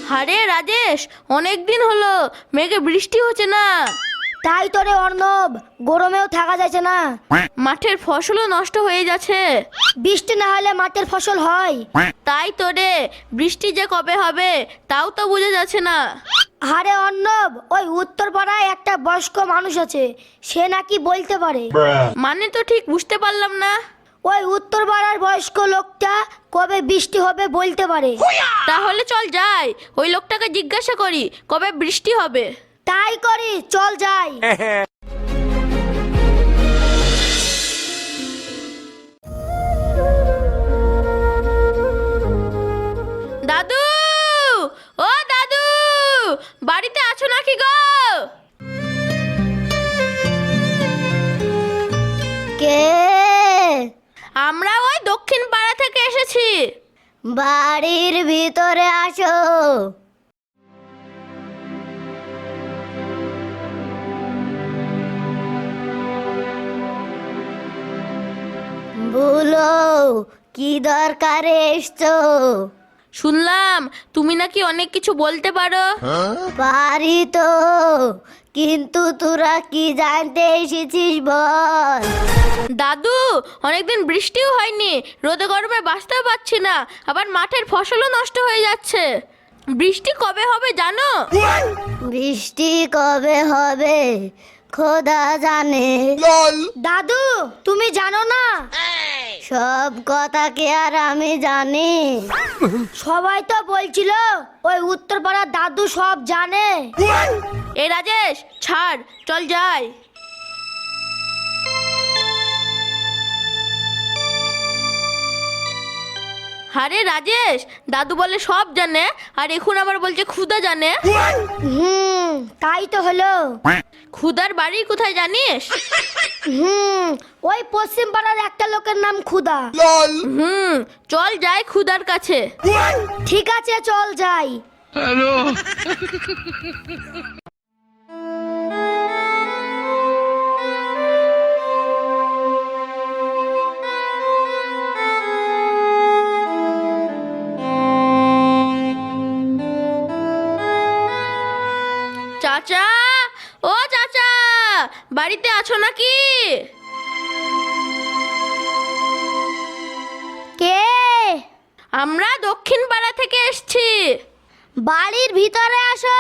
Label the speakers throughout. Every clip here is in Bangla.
Speaker 1: আরে রাজেশ, অনেক দিন হলো মেঘে বৃষ্টি হচ্ছে না।
Speaker 2: তাই তো রে অর্ণব, গরমেও থাকা যাচ্ছে না।
Speaker 1: মাঠের ফসলও নষ্ট হয়ে যাচ্ছে।
Speaker 2: বৃষ্টি না হলে মাঠের ফসল হয়?
Speaker 1: তাই তো রে, বৃষ্টি যে কবে হবে তাও তো বোঝা যাচ্ছে না।
Speaker 2: আরে অর্ণব, ওই উত্তর পাড়ায় একটা বয়স্ক মানুষ আছে, সে নাকি বলতে পারে।
Speaker 1: মানে তো ঠিক বুঝতে পারলাম না।
Speaker 2: ওই উত্তর পাড়ার বয়স্ক লোকটা কবে বৃষ্টি হবে বলতে পারে।
Speaker 1: তাহলে চল যাই, ওই লোকটাকে জিজ্ঞাসা করি কবে বৃষ্টি হবে।
Speaker 2: তাই করি, চল যাই।
Speaker 1: দাদু, ও দাদু, বাড়িতে আছো নাকি গো?
Speaker 2: কে?
Speaker 1: আমরা ওই দক্ষিণ পাড়া থেকে এসেছি।
Speaker 2: বাড়ির ভিতরে আসো। বলো, কি দরকারে এসছো?
Speaker 1: শুনলাম তুমি নাকি অনেক কিছু বলতে পারো।
Speaker 2: পারি তো, কিন্তু তোরা কি জানতে এসেছিস বল।
Speaker 1: দাদু, অনেকদিন বৃষ্টিও হয়নি, রোদে গরমে বাঁচতেও পারছি না, আবার মাঠের ফসলও নষ্ট হয়ে যাচ্ছে। বৃষ্টি কবে হবে জানো?
Speaker 2: বৃষ্টি কবে হবে খোদা জানে। দাদু, তুমি জানো না? সব কথা কি আর আমি জানি? সবাই তো বলছিল ওই উত্তরপাড়ার দাদু সব জানে।
Speaker 1: এ রাজেশ, ছাড়, চল যাই। আরে রাজেশ, দাদু বলে সব জানে, আর এখন আবার বলছে ক্ষুধা জানে।
Speaker 2: তাই তো হলো।
Speaker 1: ক্ষুধার বাড়ি কোথায় জানিস?
Speaker 2: ওই পশ্চিম পাড়ার একটা লোকের নাম ক্ষুধা।
Speaker 1: চল যাই ক্ষুধার কাছে।
Speaker 2: ঠিক আছে, চল যাই।
Speaker 1: চাচা, ও চাচা, বাড়িতে আছো নাকি?
Speaker 2: কে?
Speaker 1: আমরা দক্ষিণ পাড়া থেকে এসেছি।
Speaker 2: বাড়ির ভিতরে আসো।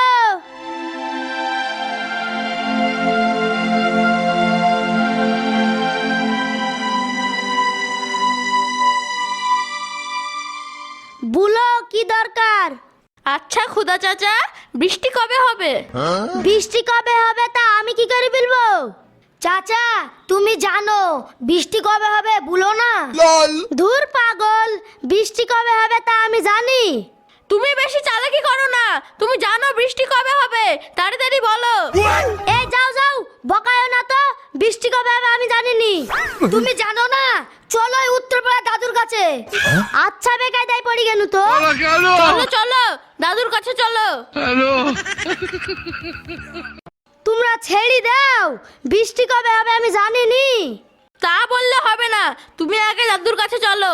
Speaker 2: বলো, কি দরকার?
Speaker 1: আচ্ছা খুদা চাচা, বৃষ্টি কবে হবে?
Speaker 2: বৃষ্টি কবে হবে তা আমি কি করে বলবো? চাচা, তুমি জানো বৃষ্টি কবে হবে বলো না। ধুর পাগল, বৃষ্টি কবে হবে তা আমি জানি।
Speaker 1: তুমি বেশি চালাকি করো না, তুমি জানো বৃষ্টি কবে হবে, তাড়াতাড়ি বলো।
Speaker 2: এই যাও যাও, বকায়ো না তো। বৃষ্টি কবে হবে আমি জানিনি। তুমি জানো না? চলো এই উত্তরপাড়া দাদুর কাছে। আচ্ছা বেকায়দায় পড়ি গেল তো।
Speaker 1: চলো চলো, দাদুর কাছে চলো।
Speaker 2: তোমরা ছেড়ে দাও, বৃষ্টি কবে হবে আমি জানিনি।
Speaker 1: তা বললে হবে না, তুমি আগে দাদুর কাছে চলো।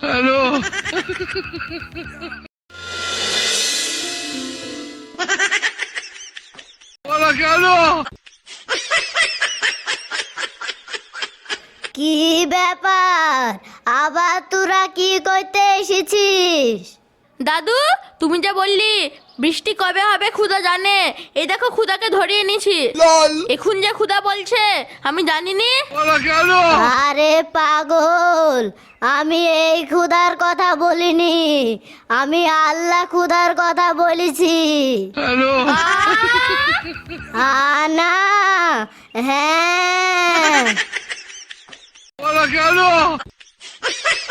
Speaker 2: কি ব্যাপার, আবার তোরা কি করতে এসেছিস?
Speaker 1: দাদু, তুমি যে বললি বৃষ্টি কবে হবে ক্ষুধা জানে, এই দেখো ক্ষুধাকে ধরিয়ে নিয়েছি। এখন যে ক্ষুধা বলছে আমি জানিনি।
Speaker 2: আরে পাগল, আমি এই ক্ষুধার কথা বলিনি, আমি আল্লাহ ক্ষুধার কথা বলেছি। আনা, হ্যাঁ।